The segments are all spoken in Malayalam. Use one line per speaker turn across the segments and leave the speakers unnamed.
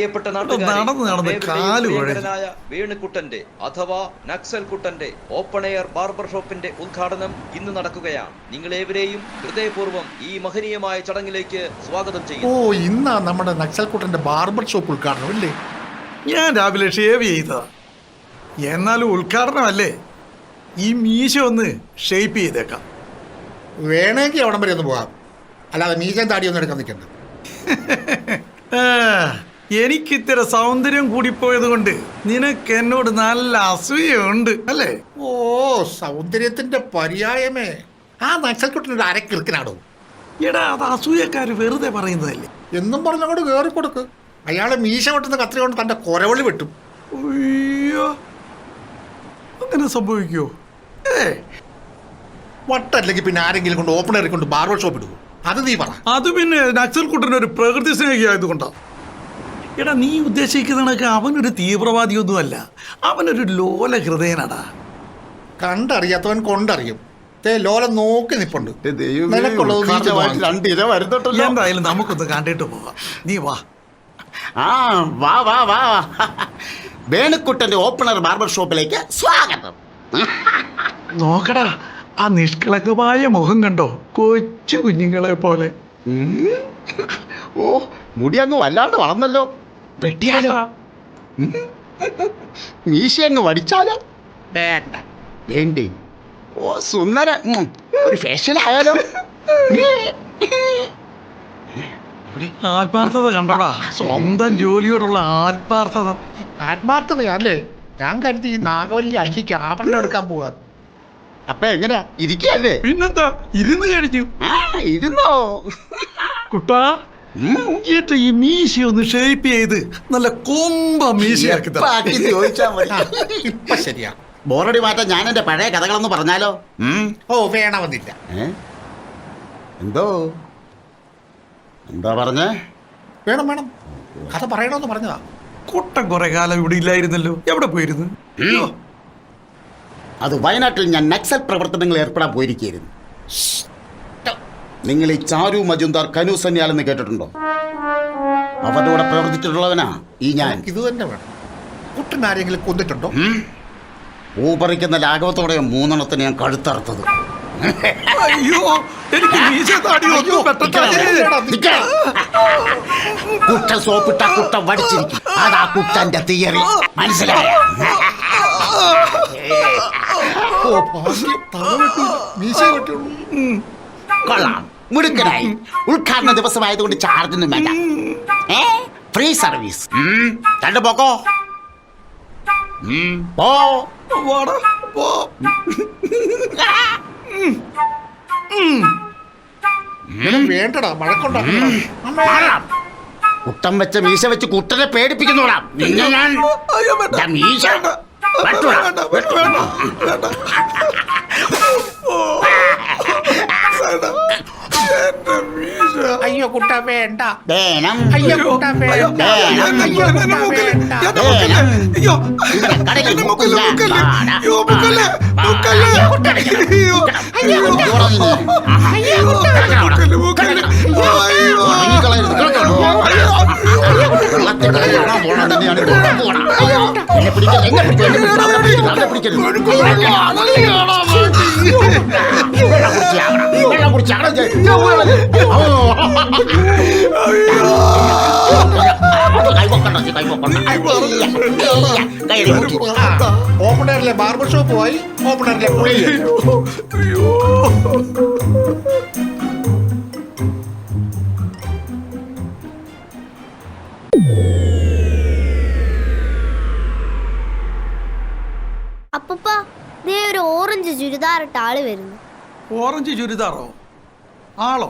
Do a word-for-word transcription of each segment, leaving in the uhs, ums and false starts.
പ്രിയപ്പെട്ട നാട്ടുകാരായ വേണുകുട്ടന്റെ അഥവാ നക്സൽ കുട്ടന്റെ ഓപ്പൺ എയർ ബാർബർ ഷോപ്പിന്റെ ഉദ്ഘാടനം ഇന്ന് നടക്കുകയാണ്. നിങ്ങളേവരെയും ഹൃദയപൂർവ്വം ഈ മഹനീയമായ ചടങ്ങിലേക്ക് സ്വാഗതം ചെയ്യുന്നു.
ഓ, ഇന്നാ നമ്മുടെ നക്സൽ കുട്ടന്റെ ബാർബർ ഷോപ്പ് ഉദ്ഘാടനം അല്ലേ?
ഞാൻ രാവിലെ ഷേവ് ചെയ്തതാ. എന്നാലും ഉദ്ഘാടനമല്ലേ, ഈ മീശ ഒന്ന് ഷേപ്പ് ചെയ്തേക്കാം.
വേണമെങ്കിൽ അവിടം വരെ ഒന്ന് പോകാം, അല്ലാതെ മീശയും താടിയൊന്നും എടുക്കാൻ നിൽക്കണ്ട.
എനിക്കിത്ര സൗന്ദര്യം കൂടിപ്പോയത് കൊണ്ട് നിനക്ക് എന്നോട് നല്ല അസൂയുണ്ട് അല്ലേ?
ഓ, സൗന്ദര്യത്തിന്റെ പര്യായമേ. ആ നക്സൽക്കുട്ടനൊരു അരക്കിറുക്കനാടോ.
എടാ, അത് അസൂയക്കാര് വെറുതെ പറയുന്നതല്ലേ.
എന്നും പറഞ്ഞങ്ങോട്ട് കയറി കൊടുക്ക്. അയാളെ മീശ വെട്ടുന്ന കത്രി കൊണ്ട് തന്റെ കൊരവളി വെട്ടും.
അയ്യോ, അങ്ങനെ സംഭവിക്കുമോ? ഏ
വട്ടല്ലെങ്കിൽ പിന്നെ ആരെങ്കിലും കൊണ്ട് ഓപ്പണറി കൊണ്ട് ബാർബർ ഷോപ്പ് ഇടുവോ? അത് നീ പറ.
അത് പിന്നെ നക്സൽ കുട്ടൻ്റെ ഒരു പ്രകൃതി സ്നേഹിയായതുകൊണ്ടാ. എടാ, നീ ഉദ്ദേശിക്കുന്നതൊക്കെ അവനൊരു തീവ്രവാദിയൊന്നുമല്ല, അവനൊരു ലോല ഹൃദയനാടാ.
കണ്ടറിയാത്തവൻ കൊണ്ടറിയും. ലോല നോക്കി നിപ്പുണ്ട്.
എന്തായാലും നമുക്കൊന്ന് കണ്ടിട്ട് പോവാം. നീ വാ.
ആ വാ വാ വാ വേണുക്കുട്ടന്റെ ഓപ്പണർ ബാർബർ ഷോപ്പിലേക്ക് സ്വാഗതം.
നോക്കടാ, ആ നിഷ്കളങ്കമായ മുഖം കണ്ടോ, കൊച്ചു കുഞ്ഞുങ്ങളെ പോലെ.
ഓ, മുടി അങ്ങ് വല്ലാണ്ട് വളർന്നല്ലോ.
വെട്ടിയാലോ?
മീശ അങ്ങ് വടിച്ചാലോ? വേണ്ട. വേണ്ടേ? ഓ, സുന്ദര ഒരു ഫേഷ്യൽ ആയാലോ?
ആത്മാർത്ഥത കണ്ടോടാ, സ്വന്തം ജോലിയോടുള്ള ആത്മാർത്ഥത.
ആത്മാർത്ഥതയല്ലേ? ഞാൻ കരുതി ഈ നാഗവല്ലി അഞ്ചിക്ക് ആഭരണം എടുക്കാൻ പോവാ.
അപ്പൊ എങ്ങനെയാ, ഇരിക്കല്ലേ?
പിന്നെന്താ, ഇരുന്ന് കഴിഞ്ഞു.
ഇരുന്നോ
കുട്ടാ? ഏറ്റവും ഈ മീശ ഒന്ന് ഷേപ്പ് ചെയ്ത് നല്ല കൊമ്പ മീശയാക്കി
ചോദിച്ചാ മതി.
ഇപ്പൊ ശരിയാ.
ബോറടി മാറ്റാൻ ഞാൻ എന്റെ പഴയ കഥകളൊന്ന് പറഞ്ഞാലോ?
ഓ, വേണമെന്നില്ല.
എന്തോ എന്താ പറഞ്ഞേ?
വേണം വേണം, കഥ പറയണമെന്ന് പറഞ്ഞതാ.
കുട്ടൻ കുറെ കാലം ഇവിടെ ഇല്ലായിരുന്നല്ലോ, എവിടെ പോയിരുന്നു?
അത് വയനാട്ടിൽ ഞാൻ നക്സൽ പ്രവർത്തനങ്ങൾ ഏർപ്പെടാൻ പോയിരിക്കുന്നു. നിങ്ങൾ ഈ ചാരു മജുന്ദാർ കനു സന്യാലെന്ന് കേട്ടിട്ടുണ്ടോ? അവരുടെ കൂടെ പ്രവർത്തിച്ചിട്ടുള്ളവനാ ഈ ഞാൻ.
ഇത് തന്നെ വേണം. കുട്ടൻ ആരെങ്കിലും കൊന്നിട്ടുണ്ടോ?
ഊപ്പറിക്കുന്ന ലാഘവത്തോടെ മൂന്നെണ്ണത്തിന് ഞാൻ കഴുത്തറുത്തത്.
അയ്യോ, എനിക്ക്
കുട്ട സോപ്പിട്ട കുട്ട വടിച്ചിരിക്കും. അതാ കുട്ടന്റെ തിയറി, മനസ്സിലായ? കൊള്ളാം, മുടുക്കനായി. ഉദ്ഘാടന ദിവസമായതുകൊണ്ട് ചാർജൊന്നും വേണ്ട, ഫ്രീ സർവീസ്. കണ്ടു പോക്കോ.
വേണ്ടടാ, മഴക്കൊണ്ടാ.
കുട്ടം വെച്ച മീശ വെച്ച് കുട്ടനെ പേടിപ്പിക്കുന്നോടാ നിന്നെ ഞാൻ. മീശ
അയ്യോ കുട്ട വേണ്ട.
വേണം.
അയ്യോ കുട്ട വേണ്ട. ഓപ്പണറിലെ ബാർബർ ഷോപ്പ് പോയി, ഓപ്പണറിലെ കുളി.
അപ്പൂപ്പ, ദേ ഒരു ഓറഞ്ച് ചുരിദാറിട്ട ആള് വരുന്നു.
ഓറഞ്ച് ചുരിദാറോ? ആളോ?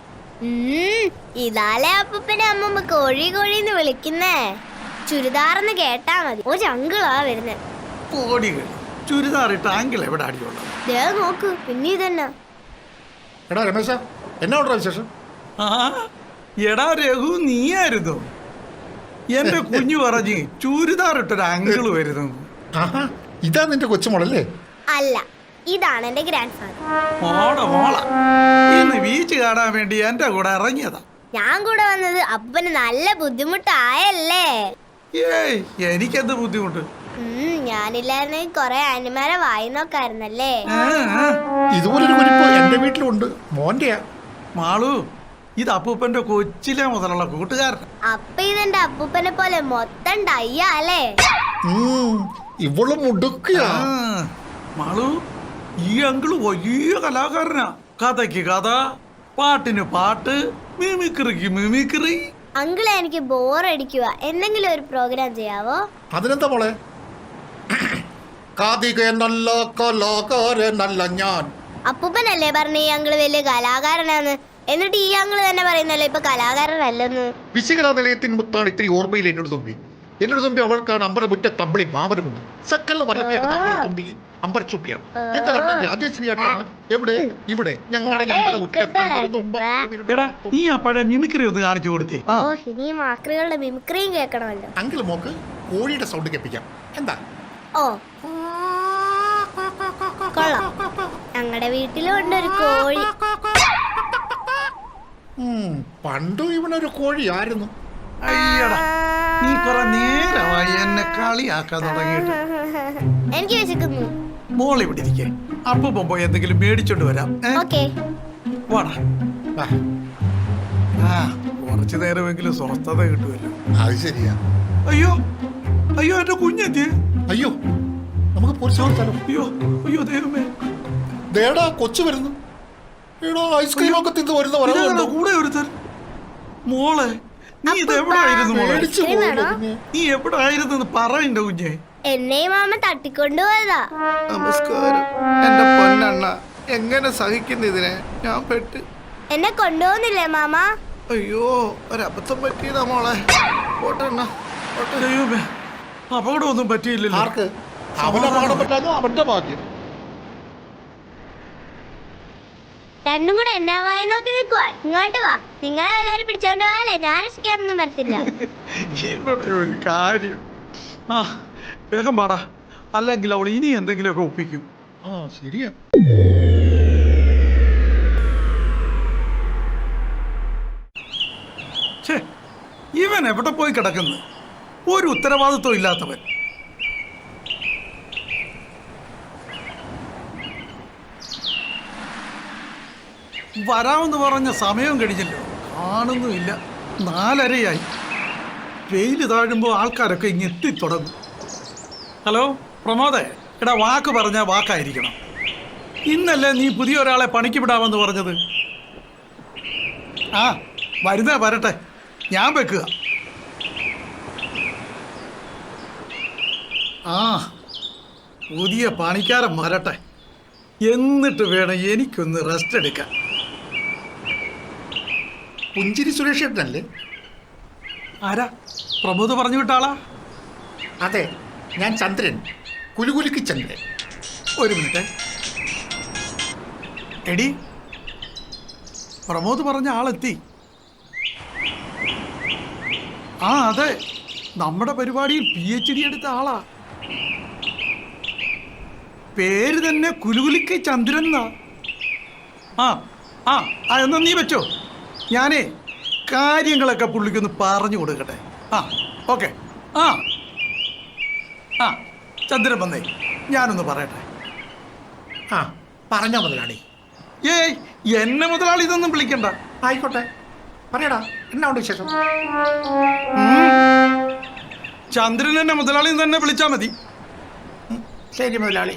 ഇതാലേ അപ്പൂപ്പനെ അമ്മമ്മ കോഴി കോഴിന്ന് വിളിക്കുന്നേ. ചുരിദാറെന്ന് കേട്ടാ മതി, ഒരു അങ്കിളാ വരുന്നേ.
കോടികൾ ചുരിദാറിട്ട അങ്കിൾ എവിടെ അടിയുള്ളത്?
ദേ നോക്ക്, പിന്നെ ഇതന്നെ.
എടാ രമേശ, എന്നാ വിശേഷം?
ആ, എടാ രഘു, നീയായിരുന്നു. എന്റെ കുഞ്ഞു പറഞ്ഞ് ചുരിദാറിട്ടൊരു അങ്കിള് വരുന്നു.
ഇതാ നിന്റെ കൊച്ചുമോളല്ലേ?
അല്ല, ഇതാണ് എന്റെ ഗ്രാൻഡ് ഫാദർ.
മോള മോള ഇന്ന് ബീച്ച് കാണാൻ വേണ്ടി എന്റെ കൂടെ ഇറങ്ങിയതാ.
ഞാൻ കൂടെ വന്നത് അപ്പന് നല്ല ബുദ്ധിമുട്ടായല്ലേ?
ഏയ് എനിക്കെന്ത് ബുദ്ധിമുട്ട്?
ഉം ഞാനില്ലായിരുന്നെങ്കിൽ കൊറേ അനിമാരെ വായി നോക്കായിരുന്നല്ലേ?
ആ, ആ.
ഇതുപോലൊരു കുരിപ്പ് എന്റെ വീട്ടിലുണ്ട്, മോന്റെയാ.
മാളു, ഇത് അപ്പൂപ്പന്റെ കൊച്ചിലെ മുതലുള്ള കൂട്ടുകാരൻ.
അപ്പൊ ഇതെന്റെ അപ്പൂപ്പനെ പോലെ മൊത്തം ഡയ്യ അല്ലേ?
ഉം, ഇവള് മുടുക്കിയാ.
ആ, മാളു, ഈ അങ്കിള് വലിയ കലാകാരനാ. കഥയ്ക്ക് കഥ, പാട്ടിന് പാട്ട്, മിമിക്രിക്ക് മിമിക്രി.
അങ്കിളെ എനിക്ക് ബോറടിക്കുക, എന്തെങ്കിലും ഒരു പ്രോഗ്രാം ചെയ്യാവോ?
അതിനെന്താ മോളെ? കാതിക നല്ല കലാകാരനല്ല ഞാൻ.
അപ്പൂപ്പനല്ലേ പറഞ്ഞ ഈ അങ്കിള് വലിയ കലാകാരനാന്ന്, എന്നിട്ട് ഈ അങ്കിള് തന്നെ പറയുന്നല്ലോ ഇപ്പൊ കലാകാരനല്ലെന്ന്.
വിശകല നിലയത്തിൻ മുത്താണ് ഇത്തിരി ഓർമ്മയിൽ എന്നോട് തുമ്പി. എന്നോട് തുമ്പി അവൾക്കാണ് അമ്പല മുറ്റ തമ്പിളി മാവരമുണ്ട്. സക്കല വരവേ തുമ്പി അമ്പരച്ചുപ്പിയാണ്. എന്താ അതേ ശരിയായിട്ടാണ്. എവിടെ? ഇവിടെ ഞങ്ങളുടെ അമ്പല മുറ്റ.
എടാ, നീ ആ പഴയ മിമിക്രി ഒന്ന് കാണിച്ചു കൊടുത്തേ.
ഓ, ഇനി മാക്രികളുടെ മിമിക്രിയും കേൾക്കണമല്ലോ.
അങ്കിൾ മോക്ക് കോഴിയുടെ സൗണ്ട് കേൾപ്പിക്കാം. എന്താ?
ഓ കൊള്ളാം, ഞങ്ങളുടെ വീട്ടിലും ഉണ്ട് ഒരു കോഴി.
ഉം, പണ്ടും ഇവനൊരു കോഴിയായിരുന്നു.
അയ്യടാ, നീ കുറെ നേരമായി എന്നെ കളിയാക്കാൻ തുടങ്ങിയിട്ട്.
എനിക്ക് വിശക്കുന്നു.
മോൾ ഇവിടെ ഇരിക്കേ, അപ്പൂപ്പൻ പോയി എന്തെങ്കിലും മേടിച്ചോണ്ട് വരാം. ഏ?
ഓക്കെ.
വാടാ.
ആ,
ആ, കുറച്ചു നേരമെങ്കിലും സ്വസ്ഥത കിട്ടുമല്ലോ.
അത് ശരിയാ.
അയ്യോ അയ്യോ, എന്റെ കുഞ്ഞെത്തിയേ.
അയ്യോ, നമുക്ക് പോലീസ് കൊടുത്താലോ?
അയ്യോ അയ്യോ, ദൈവമേ.
ദേടാ കൊച്ചു വരുന്നു. എടോ, ഐസ്ക്രീം ഒക്കെ തിന്ന് വരുന്ന
ഇതാരാ
വരവുണ്ടോ?
കൂടെ ഒരുത്തൻ? മോളെ, നീ ഇത് എവിടെ ആയിരുന്നു മോളെ?
പേടിച്ചു
ഐസ്ക്രീം
പോയല്ലോ
വേണോ?
കുഞ്ഞെ.
നീ എവിടെ ആയിരുന്നു പറയണ്ട കുഞ്ഞെ.
എന്നെയും മാമ തട്ടിക്കൊണ്ടുപോയതാ.
നമസ്കാരം എന്റെ പൊന്നണ്ണ, എങ്ങനെ സഹിക്കുന്നു ഇതിനെ? ഞാൻ പെട്ട്.
എന്നെ കൊണ്ടുപോകുന്നില്ലേ മാമ?
അയ്യോ, ഒരബദ്ധം പറ്റിയതാ മോളെ. പോട്ടെണ്ണ, പോട്ടെ.
ദൈവമേ, അപകടമൊന്നും പറ്റിയില്ലല്ലോ.
ആർക്ക്? അവനെ പാടപ്പെട്ടാലോ അവന്റെ ഭാഗ്യം.
രണ്ടും കൂടെ എന്നാ വായ നോക്കി നിൽക്കുവാ. ഇങ്ങോട്ട് വാ, നിങ്ങളെല്ലാരും പിടിച്ചോണ്ട് പോയാലേ ഞാൻ രസിക്കാനൊന്നും വരത്തില്ല.
എന്നോട് ഒരു കാര്യം. ആ, വേഗം പാടാ, അല്ലെങ്കിൽ അവൾ ഇനി എന്തെങ്കിലുമൊക്കെ ഒപ്പിക്കും.
ആ ശരിയാ.
ഛേ, ഇവൻ എവിടെ പോയി കിടക്കുന്നു? ഒരു ഉത്തരവാദിത്വം ഇല്ലാത്തവൻ. വരാമെന്ന് പറഞ്ഞ സമയം കഴിഞ്ഞല്ലോ, കാണുന്നുമില്ല. നാലരയായി. വെയിൽ താഴുമ്പോൾ ആൾക്കാരൊക്കെ ഇങ്ങ് എത്തിത്തുടങ്ങും. ഹലോ പ്രമോദേ, എടാ, വാക്ക് പറഞ്ഞാൽ വാക്കായിരിക്കണം. ഇന്നല്ലേ നീ പുതിയ ഒരാളെ പണിക്ക് വിടാമെന്ന് പറഞ്ഞത്? ആ, വരുന്നേ വരട്ടെ, ഞാൻ വെക്കുക. ആ, പുതിയ പണിക്കാരൻ വരട്ടെ, എന്നിട്ട് വേണം എനിക്കൊന്ന് റെസ്റ്റ് എടുക്കാൻ.
പുഞ്ചിരി സുരേഷ് ഏട്ടനല്ലേ?
ആരാ? പ്രമോദ് പറഞ്ഞു വിട്ടാളാ?
അതെ, ഞാൻ ചന്ദ്രൻ, കുലുകുലുക്കി ചന്ദ്രൻ.
ഒരു മിനിറ്റ്. എടി, പ്രമോദ് പറഞ്ഞ ആളെത്തി. ആ അതെ, നമ്മുടെ പരിപാടിയിൽ പി എച്ച് ഡി എടുത്ത ആളാ. പേര് തന്നെ കുലുകുലിക്ക് ചന്ദ്രൻ എന്നാ. ആ ആ ആ എന്നാ നീ വെച്ചോ, ഞാനേ കാര്യങ്ങളൊക്കെ പുള്ളിക്കൊന്ന് പറഞ്ഞു കൊടുക്കട്ടെ. ആ ഓക്കെ. ആ ആ ചന്ദ്രൻ വന്നേ, ഞാനൊന്ന് പറയട്ടെ.
ആ പറഞ്ഞോ മുതലാളി.
ഏയ്, എന്നെ മുതലാളി ഇതൊന്നും വിളിക്കണ്ട.
ആയിക്കോട്ടെ, പറയടാ, എന്നാ ഉണ്ട് വിശേഷം?
ചന്ദ്രൻ എന്നെ മുതലാളി തന്നെ വിളിച്ചാ മതി.
ശരി മുതലാളി.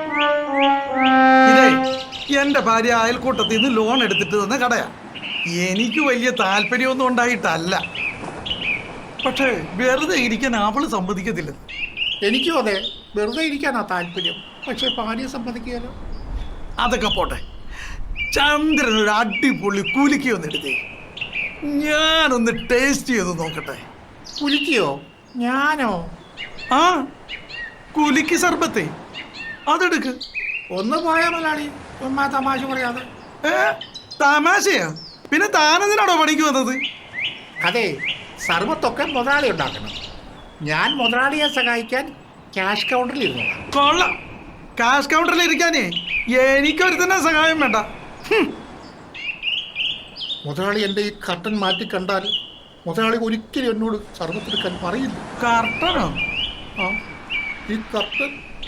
ഇതേ, എന്റെ ഭാര്യ അയൽക്കൂട്ടത്തിൽ നിന്ന് ലോൺ എടുത്തിട്ട് തന്ന കടയാ. എനിക്ക് വലിയ താല്പര്യമൊന്നും ഉണ്ടായിട്ടല്ല, പക്ഷേ വെറുതെ ഇരിക്കാൻ അവള് സമ്മതിക്കത്തില്ല.
എനിക്കും അതെ, വെറുതെ ഇരിക്കാനാ താല്പര്യം, പക്ഷെ ഭാര്യ സമ്മതിക്കുകയല്ലോ.
അതൊക്കെ പോട്ടെ, ചന്ദ്രൻ ഒരു അടിപൊളി കുലുക്കി ഒന്ന് എടുത്തേ, ഞാനൊന്ന് ടേസ്റ്റ് ചെയ്ത് നോക്കട്ടെ.
കുലിക്കയോ? ഞാനോ?
ആ, കുലുക്കി സർബത്തെ അതെടുക്ക്.
ഒന്ന് പോയാ മുതലാളി, ചുമ്മാ തമാശ പറയാതെ.
ഏ, തമാശയാ? പിന്നെ താനെന്തിനാണോ പണിക്ക് വന്നത്?
അതെ, സർവത്തൊക്കെ മുതലാളി ഉണ്ടാക്കണം. ഞാൻ മുതലാളിയെ സഹായിക്കാൻ ക്യാഷ് കൗണ്ടറിൽ ഇരുന്നു.
കൊള്ളാം, കാഷ് കൗണ്ടറിൽ ഇരിക്കാനേ എനിക്കൊരു തന്നെ സഹായം വേണ്ട. ഹും.
മുതലാളി എൻ്റെ ഈ കർട്ടൻ മാറ്റി കണ്ടാൽ മുതലാളി ഒരിക്കലും എന്നോട് സർവത്തെടുക്കാൻ പറയില്ല.
കർട്ടനോ?
ആ ഈ കർട്ടൻ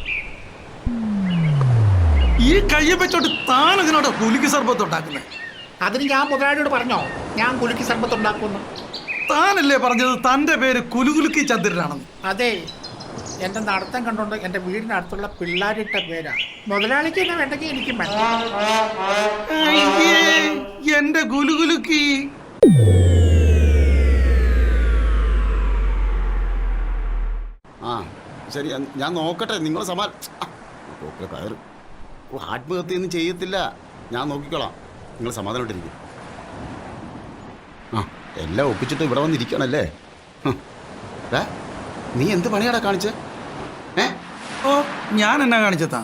ഈ കയ്യെ വെച്ചോട്ട് താൻ ഇതിനോട് കുലുക്കി സർബത്ത് ഉണ്ടാക്കുന്നത്?
അതിന് ഞാൻ മുതലാളിയോട് പറഞ്ഞോ ഞാൻ കുലുക്കി സർബത്ത് ഉണ്ടാക്കുമെന്ന്?
താനല്ലേ പറഞ്ഞത് തന്റെ പേര് കുലുകുലുക്കി ചന്ദ്രനാണെന്ന്?
അതെ, എൻ്റെ നടത്തം കണ്ടുകൊണ്ട് എൻ്റെ വീടിനടുത്തുള്ള പിള്ളേരിട്ട പേരാ. മുതലാളിക്ക് എന്നെ വേണ്ടെങ്കിൽ എനിക്കും വേണ്ട.
അയ്യേ, എന്റെ കുലുകുലുക്കി.
ആ ശരി, ഞാൻ നോക്കട്ടെ. നിങ്ങൾ സമാ കയറ്. ഓ, ആത്മഹത്യയൊന്നും ചെയ്യത്തില്ല, ഞാൻ നോക്കിക്കോളാം. നിങ്ങൾ സമാധാനമായിട്ടിരിക്കും. ആ എല്ലാം ഒപ്പിച്ചിട്ട് ഇവിടെ വന്നിരിക്കണല്ലേ? ഹ്. ഏ, നീ എന്ത് പണിയാടാ കാണിച്ചേ? ഏ
ഓ, ഞാൻ എന്നാ കാണിച്ചതാ?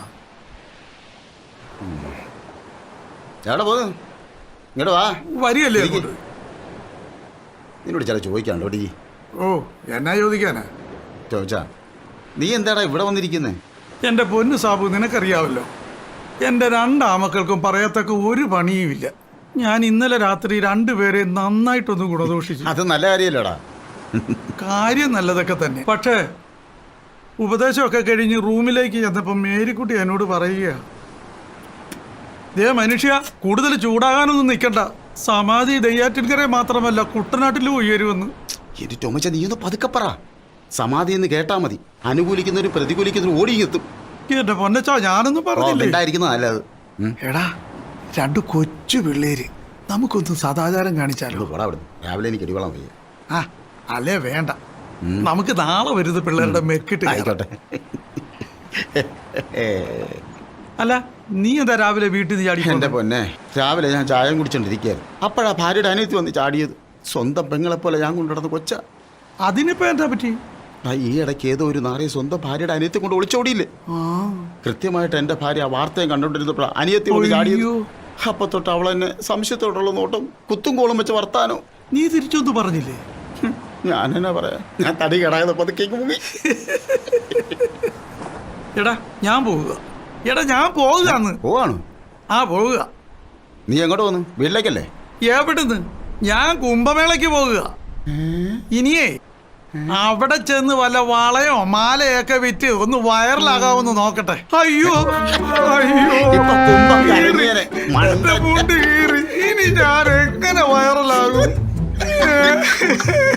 എവിടെ പോന്നു? ഇങ്ങോട്ട് വാ.
വരികയല്ലേ
ഇരിക്ക്.
അങ്ങോട്ട്?
നിന്നോട് ചില ചോദിക്കാണ്ടോ ഡി?
ഓ, എന്നാ ചോദിക്കാനാ?
ചോദിച്ചാ നീ എന്താടാ ഇവിടെ വന്നിരിക്കുന്നേ?
എന്റെ പൊന്നു സാബു, നിനക്കറിയാവല്ലോ എന്റെ രണ്ടാമക്കൾക്കും പറയത്തക്ക ഒരു പണിയുമില്ല. ഞാൻ ഇന്നലെ രാത്രി രണ്ടുപേരെ നന്നായിട്ടൊന്ന് ഗുണദോഷിച്ചു.
അത് നല്ല കാര്യമല്ലോടാ.
കാര്യം നല്ലതൊക്കെ തന്നെ, പക്ഷേ ഉപദേശമൊക്കെ കഴിഞ്ഞ് റൂമിലേക്ക് ചെന്നപ്പോ മേരിക്കുട്ടി എന്നോട് പറയുക, ദേ മനുഷ്യ, കൂടുതൽ ചൂടാകാനൊന്നും നിൽക്കണ്ട, സമാധി ദയ്യാറ്റിൻകരെ മാത്രമല്ല കുട്ടനാട്ടിലും ഉയരുമെന്ന്.
എന്റെ ടൊമച്ച നീ ഒന്ന് പതുക്കെ പറ. സമാധി എന്ന് കേട്ടാ മതി, അനുകൂലിക്കുന്നവരും പ്രതികൂലിക്കുന്നവരും ഓടിയെത്തും.
എന്റെ പൊന്നച്ചാ, ഞാനൊന്നും പറഞ്ഞില്ലേ.
ഉണ്ടായിരിക്കുന്നത് നല്ലത്. ഉം.
എടാ, രണ്ടു കൊച്ചു പിള്ളേര്, നമുക്കൊന്ന് സദാചാരം കാണിച്ചാലോ?
പോടാ അവിടുന്ന്, രാവിലെ എനിക്ക് അടിവളം വയ്യ.
ആ അല്ലേ, വേണ്ട. നമുക്ക് നാളെ വരുന്നത് പിള്ളേരുടെ മെക്കിട്ട് കയറാം.
ആയിക്കോട്ടെ.
അല്ല, നീ എന്താ രാവിലെ വീട്ടിൽ നിന്ന് ചാടി
എന്റെ പൊന്നെ, രാവിലെ ഞാൻ ചായം കുടിച്ചോണ്ടിരിക്കുകയായിരുന്നു. അപ്പോഴാ ഭാര്യയുടെ അനിയത്തി വന്ന് ചാടിയത്. സ്വന്തം പെങ്ങളെ പോലെ ഞാൻ കൊണ്ടുനടന്ന് കൊച്ച.
അതിനിപ്പോ എന്താ പറ്റി?
ആ ഈ ഇടയ്ക്ക് ഏതോ ഒരു നാറിയ സ്വന്തം ഭാര്യയുടെ അനിയത്തെ കൊണ്ട് ഒളിച്ചോടിയില്ലേ?
ആ,
കൃത്യമായിട്ട് എന്റെ ഭാര്യ ആ വാർത്തയും കണ്ടോണ്ടിരുന്നപ്പോഴാ അനിയത്തി കൊണ്ട് ചാടിയത്.
അയ്യോ.
അപ്പൊ തൊട്ട് അവൾ എന്നെ സംശയത്തോടുള്ള നോട്ടം, കുത്തും കോളും വെച്ച് വർത്താനോ.
നീ തിരിച്ചൊന്നും പറഞ്ഞില്ലേ?
ഹും, ഞാൻ എന്നാ പറയാ, ഞാൻ തടി കടായത് പതുക്കേക്ക് മുങ്ങി.
എടാ ഞാൻ പോവുക. എടാ ഞാൻ പോവുകന്ന്.
പോവാണ്?
ആ പോവുക.
നീ എങ്ങോട്ട് പോന്നു? വീട്ടിലേക്കല്ലേ?
എവിടുന്ന്? ഞാൻ കുംഭമേളയ്ക്ക് പോവുക. ഇനിയേ അവിടെ ചെന്ന് വല്ല വളയോ മാലയൊക്കെ വിറ്റ് ഒന്ന് വൈറലാകാവെന്ന് നോക്കട്ടെ. അയ്യോ അയ്യോ,
ഇപ്പൊ കുംഭം കലങ്ങിയേനെ.
എന്റെ മുണ്ട് കീറി. ഇനി ഞാൻ എങ്ങനെ വൈറലാകും?